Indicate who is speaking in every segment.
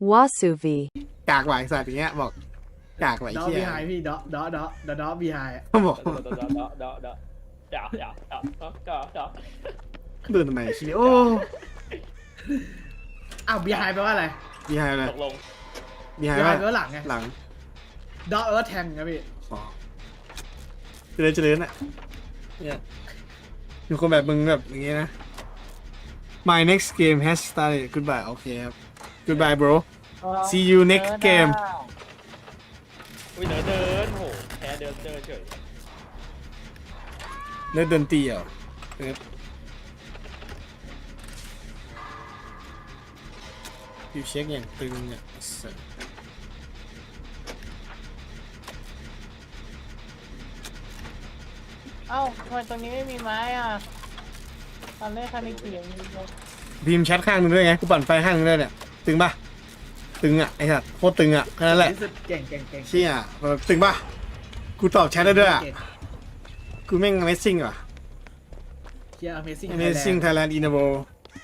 Speaker 1: Wasuvi.
Speaker 2: กากไหวสัตว์อย่างเงี้ยบอกกากไหว
Speaker 3: ดอ
Speaker 2: เชี่ย
Speaker 3: บีไฮพี่ดอบีไฮ
Speaker 2: เขาบอก
Speaker 4: เดา
Speaker 2: เดินทำไมเชี่ยโอ้
Speaker 3: อ้าวบีไฮแปลว่าอะไร
Speaker 2: บีไฮอะไร
Speaker 4: ตกลง
Speaker 2: บีไฮ
Speaker 3: บีไฮ
Speaker 2: ว่า
Speaker 3: แปลว่าหลังไง
Speaker 2: หลัง
Speaker 3: ดอแปลว่าแทงครับพี่
Speaker 2: อ๋อเจริญอ่ะเนี่ยมีคนแบบมึงแบบอย่างเงี้ยนะ My next game has started goodbye โอเคครับ goodbye bro see you next game
Speaker 4: อุ้ยเดินโหแพ้เดินเฉย
Speaker 2: เล่นดนตรีเหรอเออยูเช็คอย่างตึงเนี่ยสัส
Speaker 5: เอ้าทำไมตรงนี้ไม่มีไม้อ่ะตอนแรกคันนี้เกี่ยวมีเลย
Speaker 2: พิมพ์แชทข้างนึงด้วยไงกูปั่นไฟข้างนึงด้วยเนี่ยตึงปะตึงอ่ะไอ้สัตว์โคตรตึงอ่ะแค่นั้นแหละ
Speaker 3: รู้สึกเก่ง
Speaker 2: เชี่ยแบบตึงปะกูตอบแชทได้ด้วยอ่ะ
Speaker 3: เก่ง
Speaker 2: กูแม่ง Amazing ว่ะ
Speaker 3: เชียร์ Amazing
Speaker 2: Amazing Thailand in the world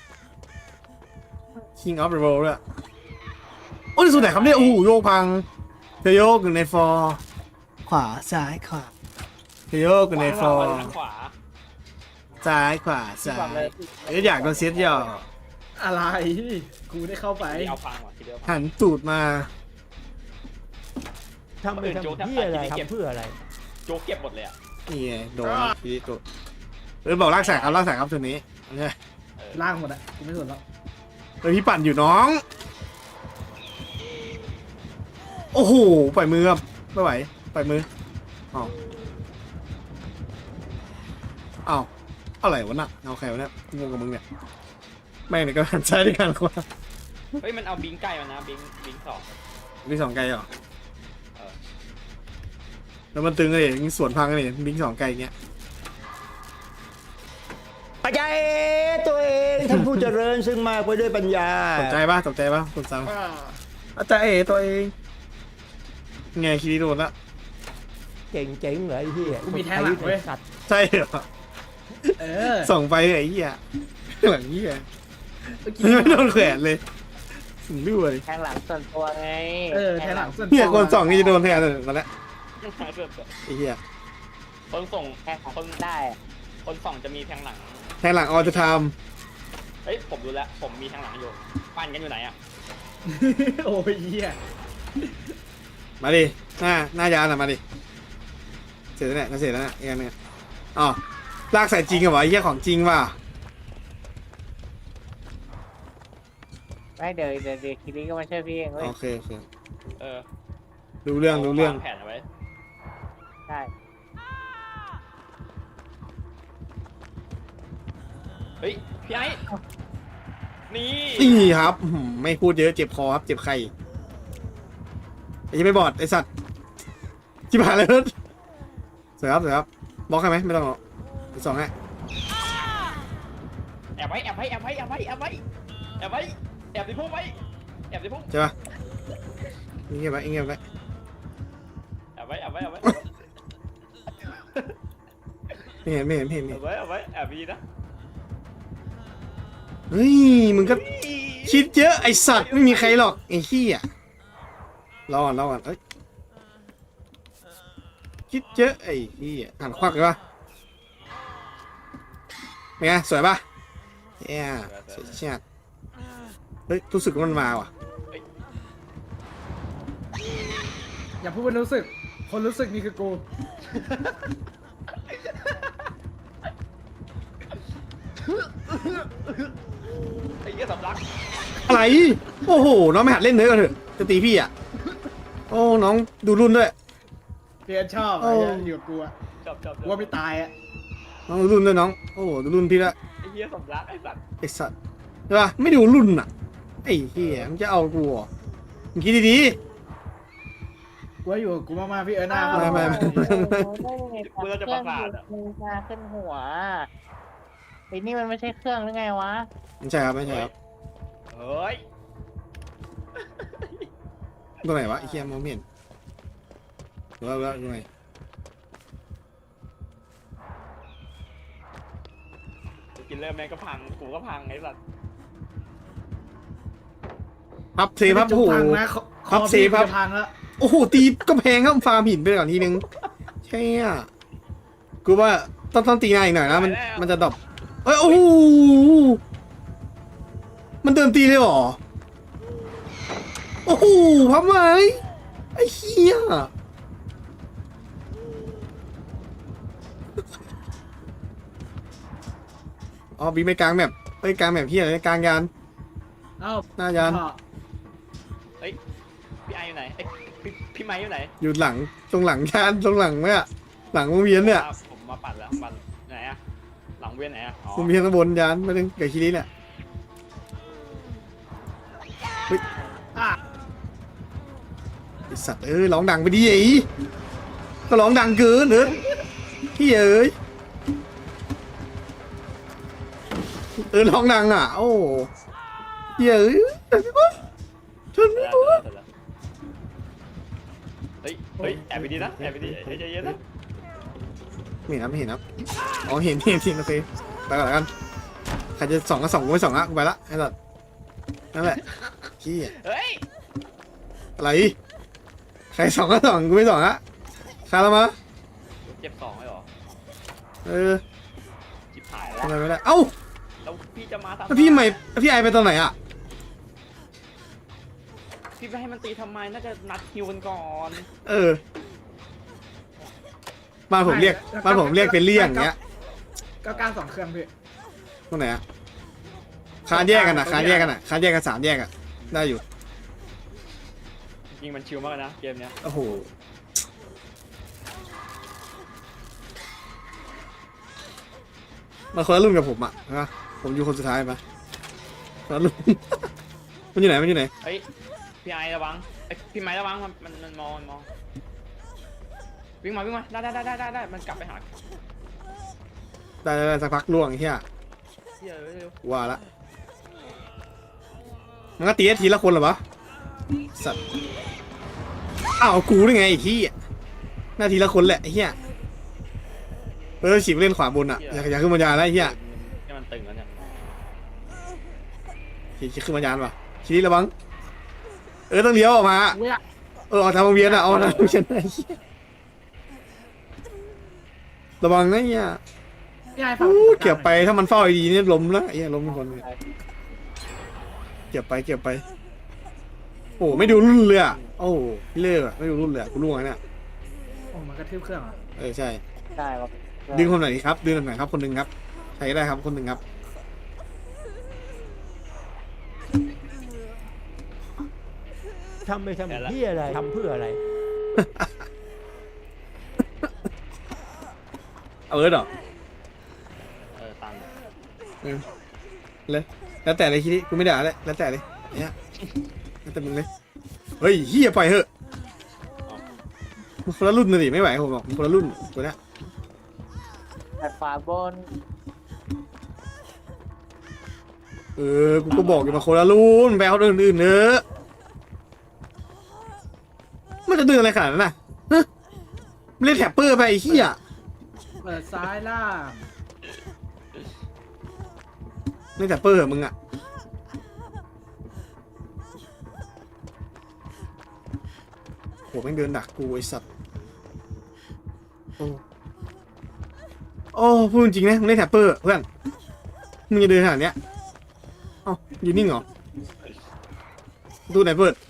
Speaker 2: King of the world ด้วยโอ้ยสุดไหนครับเนี่ยโอ้โหโยกพังเธอโยกอยู่ในฟอร์ขวาซ้ายขวาเธอโยกอยู่ในฟอร์
Speaker 4: ขวา
Speaker 2: ซ้ายขวาซ้ายเอ้ยอยากโดนเซตย่อ
Speaker 3: อะไรกูได้เข้าไป
Speaker 4: เอาพังว่ะทีเดียว
Speaker 2: หันตูดมา
Speaker 6: ทำไปทำเพื่ออะไรทำเพื่ออะไร
Speaker 4: โจ๊กเก็บหมดเลยอ่ะ
Speaker 2: นี่ไงโดนทีนี้ตัวบอกลากสายครับตัวนี้เนี่ย
Speaker 3: ล่างหมดอ่ะกูไม่สนแล้ว
Speaker 2: เฮ้ยพี่ปั่นอยู่น้องโอ้โหปล่อยมือครับไม่ไหวปล่อยมืออ้าวอ้าวอะไรวะน่ะเอาใครวะเนี่ยงงกับมึงเนี่ยแม่งเนี่ยก็หันซ้ายด้วยกันขวา
Speaker 4: เฮ้ยมันเอาบิงใกล้มานะบิงสอง
Speaker 2: บิงสองไกลเหรอแล้วมันตึงเลยยิงสวนพังเลยบิงสองไกลอย่างเงี้ย
Speaker 6: ปัญญาตัวเองท่านผู้เจริญซึ่งมากไปด้วยปัญญา
Speaker 2: ตกใจปะคุณสาวอาจารย์ตัวเองไงคิริโดนละ
Speaker 6: เจ๋งเหรอไอ้ที่
Speaker 3: กูมีแทงหลังเว้ย
Speaker 6: สัตว์
Speaker 2: ใช่เหรอ
Speaker 3: เออ
Speaker 2: ส่องไปไอ้เหี้ยหลังเหี้ยไม่โดนแขวนเลยถึงด้วย
Speaker 5: แทงหลังส่วนตัวไง
Speaker 3: แทงหลังส่วน
Speaker 2: เนี่ยคนส่องนี่จะโดนแทนเลยมาแล้วไอ้เหี้ย
Speaker 4: คนส่ง
Speaker 5: แทงของได้อะ
Speaker 4: คนส่องจะมีแทงหลัง
Speaker 2: แทนหลังออจะท
Speaker 4: เฮ้ยผมรู้แล้วผมมีแทงหลังอยู่ปั้นกันอยู่ไหนอ่ะ
Speaker 3: โอ้ยเหี้ย
Speaker 2: ำมาดิหน้ายานอ่ะมาดิเสร็จแล้วเนี่ยเสร็จแล้วเนี่ยอีกอันนึงอ๋อลากใส่จริงเหรอวะไอ้เหี้ยของจริงว่ะ
Speaker 5: ไม่เดี๋ยวคิริก็มาช่วยพี่เองเว้ย
Speaker 2: โอเค
Speaker 4: เออ
Speaker 2: รู้เรื่อง
Speaker 4: วางแผนเอาไว้
Speaker 5: ใช่
Speaker 4: เฮ้ยพี่ไอ้นี่
Speaker 2: นี่ครับไม่พูดเยอะเจ็บคอครับเจ็บไข้ไอ้ยังไม่บอดไอ้สัตว์จิบหายเลยรถสวยครับบล็อกให้ไหมไม่ต้องหรอกสองให้
Speaker 4: แอบไว้แอบในพุ่มไว้แอบในพุ่ม
Speaker 2: ใช่ปะเงียบไว้
Speaker 4: แอบไว้
Speaker 2: ไม่เห็น
Speaker 4: แอบดีนะ
Speaker 2: เฮ้ยมึงก็คิดเยอะไอสัตว์ไม่มีใครหรอกไอ้ขี้อ่ะรอก่อนเอ้ยคิดเยอะไอ้ขี้อ่ะหันควักเลยปะเป็นไงสวยปะเนี่ยสวยชาติเฮ้ยรู้สึกว่ามันมาว่ะ
Speaker 3: อย่าพูดว่ารู้สึกคนรู้สึกนี่คือกู
Speaker 4: ไอ้เหี้ยสำลัก
Speaker 2: อะไรโอ้โหน้องไม่หัดเล่นเนื้อกันเถอะจะตีพี่อ่ะโอ้น้องดูรุ่นด้วย
Speaker 3: เพียนชอบ
Speaker 2: โอ้
Speaker 3: ไอ้เหี้ยอยู่กับกูอะ
Speaker 4: จับ
Speaker 3: กูว่าไม่ตายอะ
Speaker 2: น้องดูรุ่นด้วยน้องโอ้โหดูรุ่นพี่ละ
Speaker 4: ไอ้เหี้ยสำลักไอ้สัตว์
Speaker 2: ไอสัตว์ใช่ปะไม่ดูรุ่นอ่ะไอ้เหี้ยมันจะเอากูเหรอมึงคิดดี
Speaker 3: กูว่าอยู่กับกูมากๆพี่หน้า
Speaker 2: ไม่
Speaker 5: ได้ไงเครื่องมือมาขึ้นหัวไอ้นี่มันไม่ใช่เครื่องหรือไงวะ
Speaker 2: ๆไม่ใช่ครับ
Speaker 4: เฮ้ย
Speaker 2: ตรงไหนวะไอ้เหี้ยมองไม่เห็นว่าตรงไหน
Speaker 4: กินเริ่มแม่งก็พังกูก็พังไอ้สัตว์
Speaker 2: พัพับเซพับ
Speaker 3: จุ
Speaker 2: โอ้
Speaker 3: ก
Speaker 2: โห
Speaker 3: พังนะคอ
Speaker 2: พับเซ
Speaker 3: พี่
Speaker 2: พับ
Speaker 3: จะพังแล้ว
Speaker 2: โอ้โหตีก็แพงครับฟาร์มหินไปก่อนทีนึงใช่อ่ะกูว่าต้องตีนายอีกหน่อยนะมันจะดรอปเอ้ยโอ้โหมันเดินตีเลยเหรอโอ้โหพับไหมไอ้เหี้ยอ๋อบีไม่กลางแบบเอ้ยกลางแบบเหี้ยอะไรกลางยาน
Speaker 3: เอ้า
Speaker 2: หน้ายาน
Speaker 3: พ่อ
Speaker 4: เฮ้ยพี่ไออยู่ไหนเอ้ยพี่ไม้อยู่ไหน
Speaker 2: อยู่หลังตรงหลังยานตรงหลังไหมอะหลังวงเวียนเนี่ย
Speaker 4: ผมมาปัดแล้วปัดไหนอะหลังเวียนไหนอะอ๋อ
Speaker 2: วงเวียนข้างบนยานไม่ถึงเกิดคิริเนี่ย
Speaker 3: อ่ะ
Speaker 2: ไอสัตว์ร้องดังไปดิไอ้ก็ร้องดังเกินเนอะพี่เอ้ยร้องดังอ่ะโอ้พี่เอ้ยชนไม่รู้
Speaker 4: เฮ้ยเฮ้ยแอบไปดีนะแอบไปดีใจเย็นนะ
Speaker 2: ไม่เห็นนะไม่เห็นนะอ๋อเห็นโอเคไปก่อนแล้วกันใครจะส่องก็ส่องกูไม่ส่องละกูไปละไอ้สัตว์นั่นแหละขี้
Speaker 4: เฮ้ย
Speaker 2: อะไรใครส่องก็ส่องกูไม่ส่องละคาแล้วมา
Speaker 4: เจ็บ2เลยเหรอ จิบหายแล้ว
Speaker 2: ทำไมไม่ได้เอ้า
Speaker 4: แล้วพี่จะมาทำ
Speaker 2: แล้วพี่ใหม่พี่ไอไปตอนไหนอ่ะ
Speaker 4: พี่ไปให้มันตีทำไมน่าจะนัดคิวกันก่อน
Speaker 2: บ้านผมเรียกเป็นเลี่ยงอย่างเงี้ย
Speaker 3: ก็การ2 เครื่องพี่
Speaker 2: ตรงไหนอ่ะคานแยกกันอ่ะคานแยกกัน3แยกอ่ะได้อยู่
Speaker 4: จริงมันชิลมากนะเกมเนี้ย
Speaker 2: โอ้โหมาคนละรุ่นกับผมอ่ะนะผมอยู่คนสุดท้ายปะคนละรุ่น มันอยู่ไหน
Speaker 4: เฮ้ยพี่ไอระวังพี่ไม้ระวังมันมองวิ่งมาได้มันกลับไปหา
Speaker 2: ได้สักพักล่วงไอ้เหี้ย
Speaker 4: เดี๋ยวเร็ว
Speaker 2: ว่าละมันก็ตีทีละคนเหรอวะสัตว์อ้าวกูได้ไงไอ้ที่หน้าทีละคนแหละไอ้เหี้ยฉีกเล่นขวาบนอ่ะอย่าขึ้นมายานแล้วไอ้เหี้ย
Speaker 4: นี่มันตึงแล้วเนี่ย
Speaker 2: ขี่ขึ้นมายานป่ะขี่ระวังต้องเลี้ยวออกมา
Speaker 3: เว้ย
Speaker 2: ออกทางวงเวียนอ่ะเอาทางวงเวียนไอ้เหี้ยระวังนะเหี้ย
Speaker 3: พี่ไอ้ฝาก
Speaker 2: เก็บไปถ้ามันเฝ้าดีนี่ล้มแล้วไอ้เหี้ยล้มเป็นคนเลยเก็บไปโอ้ไม่ดูรุ่นเลยอ่ะโอ้พี่เล่อะไม่ดูรุ่นเลยกูล่วงเนี่ย
Speaker 3: โอ้มันกระทืบเครื่องเหรอ
Speaker 2: ใช่
Speaker 5: ได้ปะ
Speaker 2: ดึงคนไหนดีครับดึงคนไหนครับคนหนึ่งครับใช้ได้ครับคนหนึ่งครับ
Speaker 6: ทำไปทำเพื่ออะไรทำเพื่ออะไร
Speaker 2: เอาเหรอ
Speaker 4: ตัน
Speaker 2: เลยแล้วแต่เลยคิดดิกูไม่ด่าเลยแล้วแต่เลยเนี่ยแล้วแต่มึงเลยเฮ้ยเฮียปล่อยเหอะมันคนละรุ่นเลยดิไม่ไหวผมบอกมันคนละรุ่นตัวเนี้ย
Speaker 5: แต่ฝาบน
Speaker 2: กูก็บอกอยู่มาคนละรุ่นไปเอาอื่นๆเนอะมันจะดึงอะไรขนาดนั้นน่ะฮะมันเล่นแท็ปเปอร์ไปไอ้เหี้ย
Speaker 3: เปิดซ้ายล่าง
Speaker 2: เล่นแท็ปเปอร์เหรอมึงอ่ะโหแม่งเดินดักกูไอ้สัตว์โอ้พูดจริงนะมึงเล่นแท็ปเปอร์เพื่อนมึงจะเดินขนาดเนี้ยเอ้าอยู่นิ่งเหรอดูไหนเปิด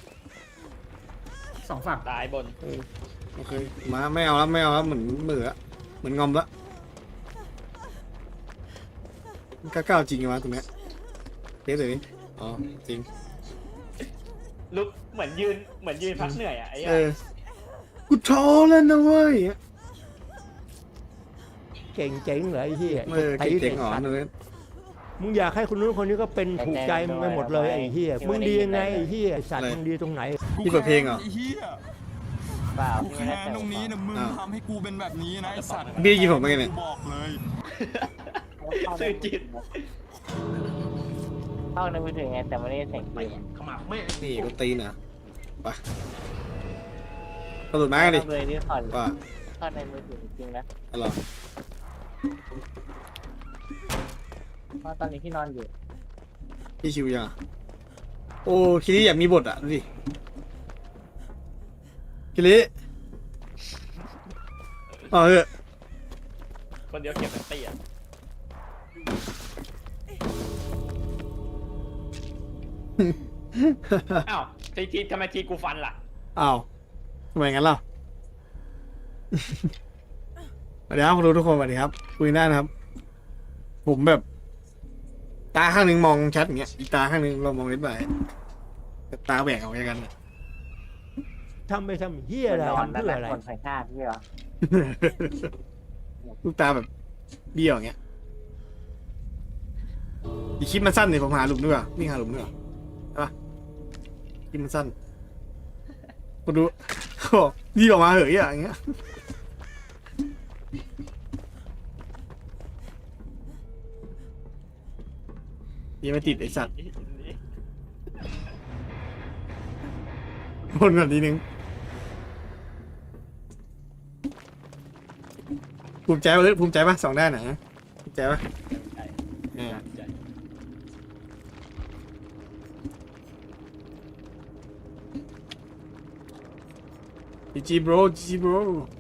Speaker 3: 2 ฝั่ง
Speaker 4: ตายบน
Speaker 2: โอเคมาไม่เอาแล้วเหมือนเหมือนงอมละก้าวจริงไงวะตรงเนี้ยเทสเลยนี่อ๋อจริง
Speaker 4: ลุกเหมือนยืนพักเหนื่อยอ่ะไอ้
Speaker 2: กูท้อแล้วนะเว้ย
Speaker 6: เก่งเจ๋งเหรอไอ้เหี้ย
Speaker 2: เจ๋งๆอ๋อเลย
Speaker 6: มึงอยากให้คนนู้นคนนี้ก็เป็นถูกใจมึงไปหมดเลยไอ้เหี้ยมึงดียังไงไอ้เหี้ยไอ้สัตว์มึงดีตรงไหน
Speaker 2: นี่เปิดเพลงเหรอ
Speaker 1: ไอ้เหี้ย
Speaker 5: เปล่า
Speaker 1: กู
Speaker 5: พี่ไม่
Speaker 1: แค้
Speaker 5: ได้
Speaker 1: น
Speaker 5: แต่
Speaker 1: ตรงนี้นะมึง
Speaker 2: อ้าว
Speaker 1: ทำให้กูเป็นแบบนี้นะไอ้สัตว์
Speaker 2: พี่กินผมไปไงเนี่ย
Speaker 1: กูบอกเลย
Speaker 4: สื่อจิต
Speaker 5: เข้าในมือถือไงแต่ไม่ได้เสียงเกม
Speaker 4: ขมับไม่
Speaker 2: นี่กูตีนะไปกระโดดไม้กันดิ
Speaker 5: เลยที่คอน
Speaker 2: ว่า
Speaker 5: เข้าในมือถือจริงๆนะ
Speaker 2: อะไร
Speaker 5: เพราะตอนนี้ที่นอนอยู่
Speaker 2: พี่ชิวยังโอ้คิริอยากมีบทอ่ะดูดิคิริเอาเถอะ
Speaker 4: คนเดียวเก็บแบตเตี้ยอ้าวทีทำไมทีกูฟันล่ะ
Speaker 2: อ้าวทำไมงั้นล่ะ สวัสดีครับคุณรู้ทุกคนสวัสดีครับคุยได้นะครับ ผมแบบตาข้างหนึ่งมองชัดอย่างเงี้ยอีกตาข้างหนึ่งเรามองเล็บใบแต่ตาแหวกออกจากกันอะ
Speaker 6: ทำไปทำเฮียอะไร
Speaker 5: นอน
Speaker 6: ทำ
Speaker 5: นั่น
Speaker 6: เพื่อ
Speaker 5: แหละ
Speaker 6: อะไร
Speaker 5: คนใส่หน้าพี่เหรอ
Speaker 2: ลูกตาแบบเบี้ยวอย่างเงี้ยอีคลิปมันสั้นเนี่ยผมหาหลุมดีกว่าวิ่งหาหลุมดีกว่าใช่ปะคลิปมันสั้นกูดูโอ้ยี่ออกมาเหอะอย่างเงี้ยยังไม่ติดไอสัตว์บนก่อนทีนึงภูมิใจปะภูมิใจปะสองด้านไหนภูมิใจปะจีจีโบรจีจีโบร